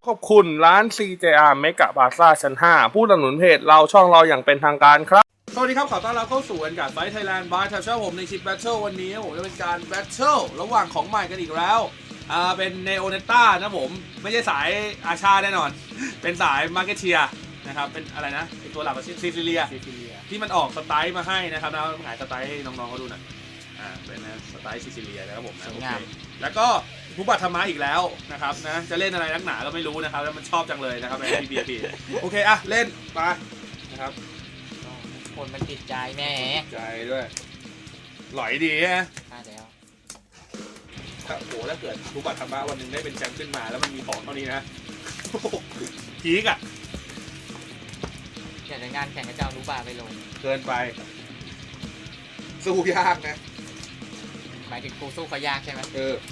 ขอบคุณร้าน CJR Mega Plaza ชั้น 5 ผู้สนับสนุนเพจเราช่องเราอย่างเป็นทางการครับสวัสดีครับขอต้อนรับเข้าสู่การไฟท์ไทยแลนด์บายทัชเชอร์ผมในชิปแบทเทิลวันนี้ผมจะเป็นการแบทเทิลระหว่างของใหม่กันอีกแล้วเป็นเนโอเนต้านะผมไม่ใช่สายอาชาแน่นอนเป็นสายมาร์เก็ตเชียนะครับเป็นอะไรนะเป็นตัวหลักของซิซิเลียที่มันออกสไตล์มาให้นะครับแล้วขายสไตล์ให้น้องๆเขาดูหน่อยเป็นสไตล์ซิซิเลียนะครับผมนะโอเคแล้วก็ผู้บัตรธรรมะอีกแล้วนะครับนะจะเล่นอะไรนักหนาก็ไม่รู้นะครับแล้วมันชอบจังเลยนะครับใน BBP โอเคอะเล่นไปนะครับคนมันติดใจแน่ใจด้วยหลอยดีฮะใช่แล้วถ้าโหถ้าเกิดผู้บัตรธรรมะวันหนึ่งได้เป็นแชมป์ขึ้นมาแล้วมันมีของเท่านี้นะพีกอะอยากจะงานแข่งกับเจ้ารู้บาไปลงเกินไปสู้ยากนะหมายถึงกูสู้เขายากใช่ไหม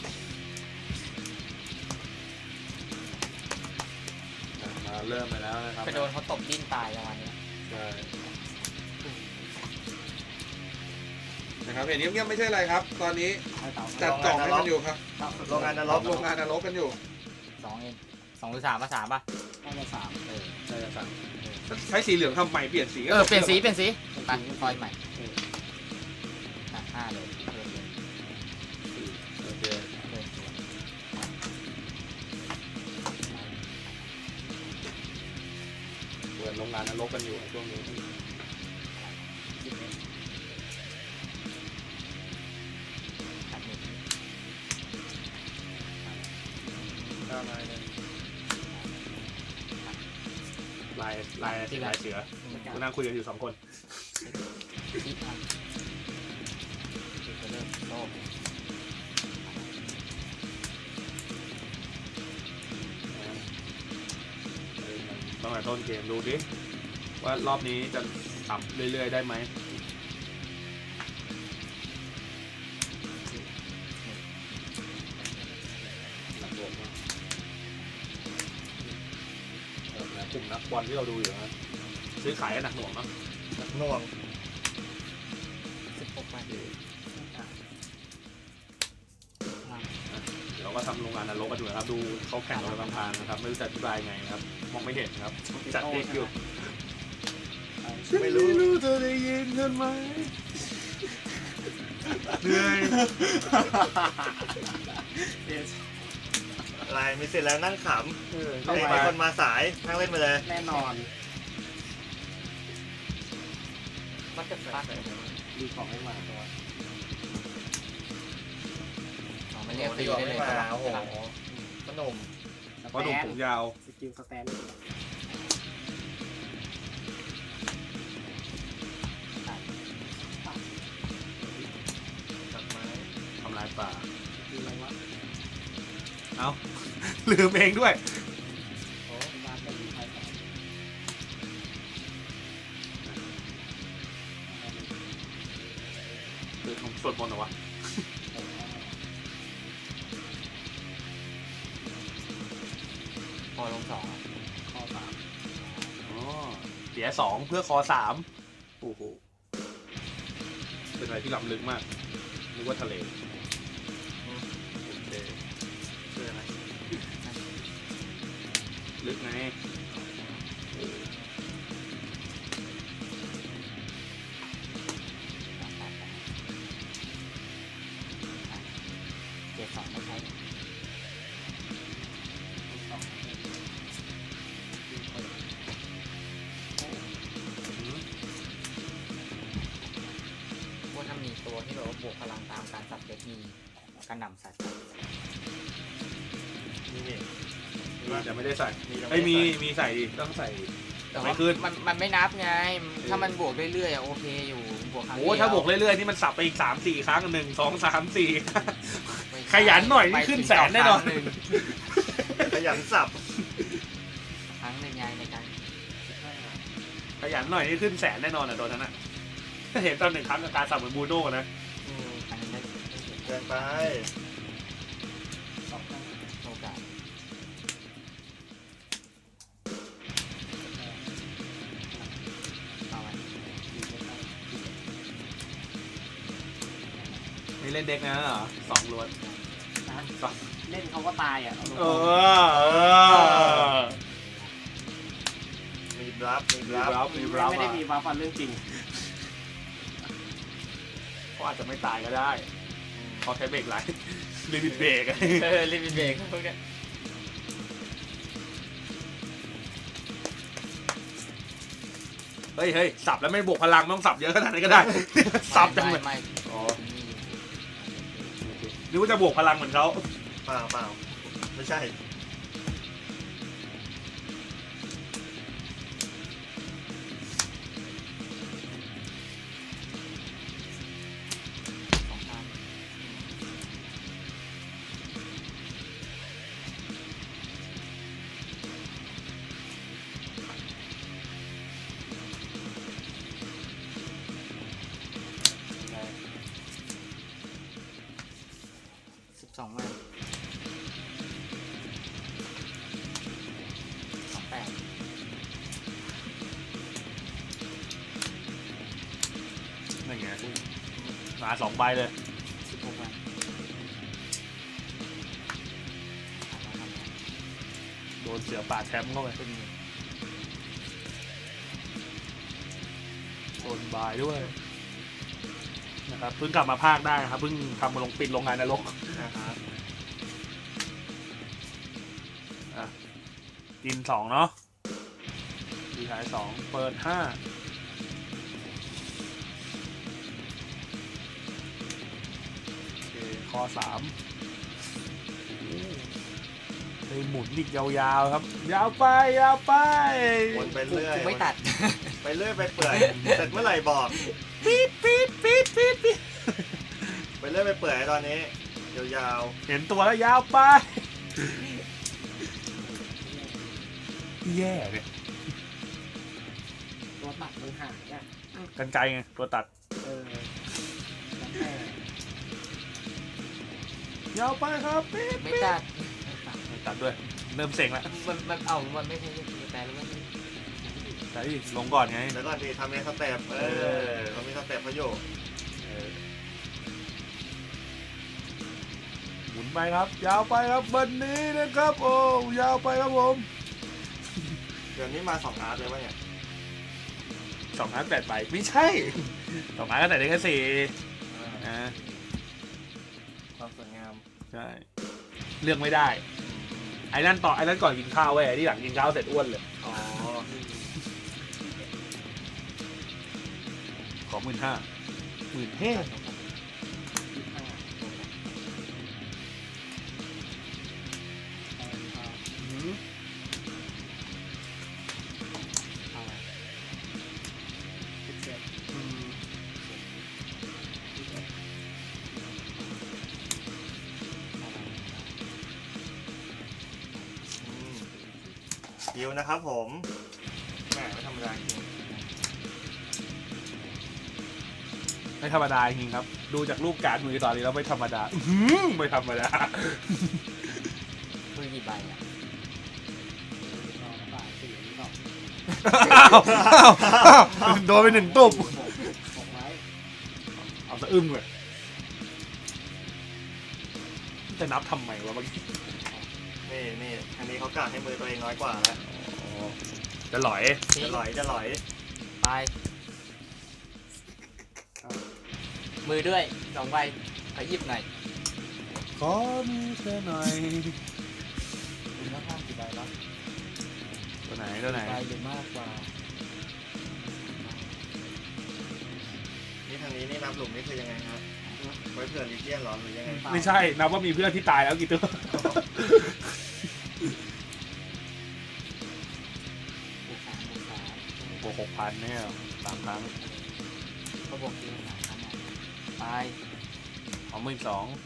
มาเริ่มไปแล้วนะครับไปโดนเขาตบดิ้นตายประมาณนี้ใช่นะครับเห็นเงียบๆไม่ใช่อะไรครับตอนนี้จัดกล่องให้มันอยู่ครับโรงงานนรกกันอยู่ 2 เอง2 หรือ 3 ป่ะ 3 ป่ะน่าจะ3 ใช่จะ3ใช้สีเหลืองทำใหม่เปลี่ยนสีเปลี่ยนสีไปคอยใหม่5เลยโอเคเปิดโรงงานนรกกันอยู่ช่วงนี้ลายเสือกูนั่งคุยกันอยู่2 คนตั้งแต่ต้นเกมดูดิว่ารอบนี้จะขับเรื่อยๆได้ไหมกลุ่มนักบอลที่เราดูอยู่นะซื้อขายกันหนักหน่วงเนาะหนักหน่วง 16 บาทเดี๋ยวก็ทำโรงงานนรกกันอยู่นะครับดูเขาแข่งกันบางทางนะครับไม่รู้จะอธิบายไงครับมองไม่เห็นครับจัดเด็กอยู่ไม่รู้เธอได้ยินกันไหมเหนื่อยอะไรมีเสร็จแล้วนั่งขำไอ้คนมาสายนั่งเล่นไปเลยแน่นอนมันจะฟักดีของให้มาตัวไม่เรียกตีได้เลยโอ้โหขนมผมยาวสกิลสแตนทำลายป่าเอาลืมเองด้วยคือผมสวดมนต์เหรอวะคอลง2 คอ3 อ๋อเสีย2เพื่อคอ3โอ้โหเป็นอะไรที่ล้ำลึกมากนึกว่าทะเลโอเคเชื่อไหมลึกไงเจ็ด 2ไม่ใช่ว่าถ้ามีตัวที่แบบว่าบวกพลังตามการสับเด็กมีการนำสัตว์นี่จะไม่ได้ใส่มีใส่ต้องใส่แต่ไม่ขึ้นมันไม่นับไงถ้ามันบวกเรื่อยๆโอเคอยู่บวกครั้งเดียวโอ้ถ้าบวกเรื่อยๆนี่มันสับไปอีก3-4 ครั้ง1 2 3 4ขยันหน่อยนี่ขึ้นแสนแน่นอนขยันสับครั้งหนึ่งไงในการขยันหน่อยนี่ขึ้นแสนแน่นอนอ่ะโดนนั้นอ่ะเห็นตอน1 ครั้งกับการสับเหมือนบูโน่นะเกินไปโอกาสนี่เล่นเด็กนะเหรอ2 ล้วนนะเล่นเขาก็ตายอ่ะเออมีบลัฟมีบลัฟไม่ได้มีวาฟันเรื่องจริงเขาอาจจะไม่ตายก็ได้เขาใช้เบรกไหลลิมิตเบรกลิมิตเบรกพวกเนี้ยเฮ้ยสับแล้วไม่บวกพลังไม่ต้องสับเยอะขนาดนั้นก็ได้ สับจังเลยไม่อ๋อหรือว่าจะบวกพลังเหมือนเขาเปล่าไม่ใช่สองพัน12 ใบ28 นั่นไงมา2 ใบเลย 16 ใบโดนเสือป่าแชมป์เข้าไปโดนบายด้วยนะครับเพิ่งกลับมาภาคได้นะครับเพิ่งทำมาลงปิดโรงงานนรกนะครับกิน2เนาะดีท้าย2เปิด5โอเคคอ3เลยหมุนอีกยาวๆครับ ยาวไปวนไปเรื่อยกูไม่ตัดไปเรื่อยไปเปื่อยเสร็จเมื่อไหร่บอกปี๊ดไปเรื่อยไปเปื่อยตอนนี้ยาวเห็นตัวแล้วยาวไปแย่เนี่ยตัวตัดมันหายอ่ะกันไกลไงตัวตัดแล้วแต่ยาวไปครับปี๊ดไม่ตัดไม่ตัดด้วยเริ่มเซ็งแล้วมันไม่ใช่แต่แล้วมันใช่ลงก่อนไงๆแล้วก่อนดีทำในสเต็ปเรามีสเต็ปเขาอยู่หมุนไปครับ ยาวไปครับวันนี้นะครับโอ้ยาวไปครับผมเดี๋ยวนี้มา2อาร์ตเลยวะเนี่ย 2 อาร์ต8 ใบไม่ใช่2 อาร์ตก็แต่ได้แค่4นะความสวยงามใช่เลือกไม่ได้ไอ้นั่นก่อนกินข้าวเว้ยไอ้ที่หลังกินข้าวเสร็จอ้วนเลยอ๋อขอ15,000 คิวนะครับผมแหมไม่ธรรมดาจริงไม่ธรรมดาจริงครับ ดูจากรูปการ์ดมือตอนนี้แล้วไม่ธรรมดาไม่ธรรมดามือกี่ใบอ่ะโดนไป1 ตุ๊บบอกไว้เอาสะอึ้งเลยจะนับทำไมวะเมื่อกี้นี่อันนี้เขากะให้มือตัวเองน้อยกว่าแล้วจะหลอยจะหลอยไปมือด้วย2 ใบขอหยิบหน่อยขอมีเธอหน่อยคุณภาพกี่ใบแล้วตัวไหนใบหรือมากกว่านี่ทางนี้นี่นับหลุมนี่คือยังไงครับไว้เผื่อลิเจียนหรอหรือยังไงไม่ใช่นับว่ามีเพื่อนที่ตายแล้วกี่ตัวบวก 3 บวก6,000เนี่ย3 ครั้งก็บวกทีละ3 ครั้งไปของ12,000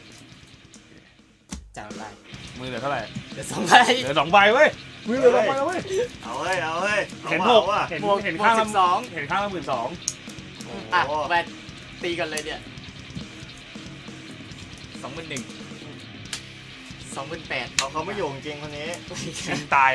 จัดไปมือเหลือเท่าไหร่เดี๋ยว2 ใบเหลือ2 ใบเว้ยมือเหลือ2 ใบแล้วเว้ยเอาเฮ้ยเอาเฮ้ยเห็นเอา 6 ว่ะเห็นบวกเห็นบวข้าก งละ 12 เห็นข้างละ12,000 อ่ะโอ้โหแบตตีกันเลยเนี่ย21,000 28,000 เขาไม่อยู่จริงคนนี้ชิงตาย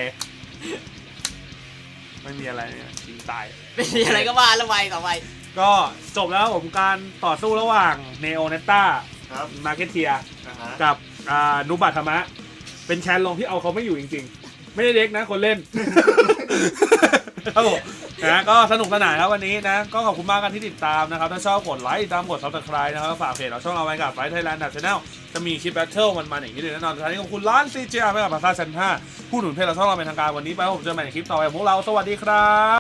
ไม่มีอะไรเนี่ยชิงตายไม่มีอะไรก็ว่าละใบต่อไปก็จบแล้วผมการต่อสู้ระหว่างเนโอเนต้าครับมาร์เก็ตเทียนะฮะกับนุบัตธรรมะเป็นแคนลองที่เอาเขาไม่อยู่จริงๆ ไม่ได้เด็กนะคนเล่น ครับผมนะก็สนุกสนานครับวันนี้นะก็ขอบคุณมากกันที่ติดตามนะครับถ้าชอบกดไลค์ตามกด subscribe นะครับฝากเพจเราช่องเราไว้กับไฟท์ไทยแลนด์channel จะมีคลิปแบทเทิลมันๆอย่างนี้เลยแน่นอนสุดท้ายนี้ขอบคุณร้าน CJR ไม่กับบาซ่าชั้น 5ผู้หนุนเพจเราช่องเราเป็นทางการวันนี้ไปผมเจอกันใหม่ในคลิปต่อไปของพวกเราสวัสดีครับ